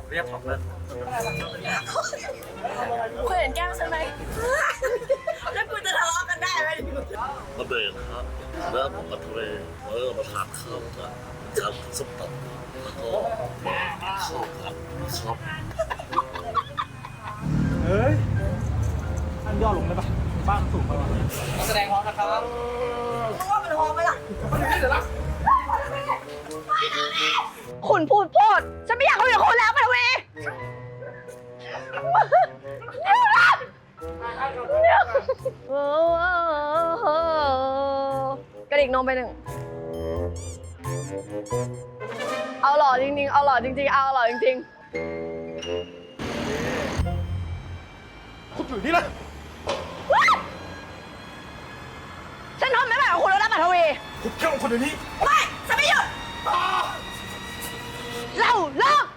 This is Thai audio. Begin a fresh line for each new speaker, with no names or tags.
เรียกของเล่น
คุณเห็นแก้มฉันไหมแล้วคุณจะทะเลาะกันได้ไหม
มาเดินครับแล้วผมมาทะเลมาทานข้าวกันครับส้มตำแล้วก็ข้าวผัดครับ
เฮ้ยท่านย่อลงได้ปะบ้านสูงไปวะแสดงพร้อมนะครับ
รู้ว่ามันหอมไหมล่ะ
คุณพูดโพดฉันไม่อยากคุยกับคุณแล้วปัทวีเดี๋ยวกระดิกนมไปหนึ่งเอาหล่อจริงๆเอาหล่อจริงๆเอาหล่อจริง
คุณอยู่นี่เลย
ๆฉันทนไม่ไหวกับคุณแล้วนะปัทวี
คุณเจ้าคนเดี๋ยวนี้
ไม่ฉันไม่หยุดเราเลิก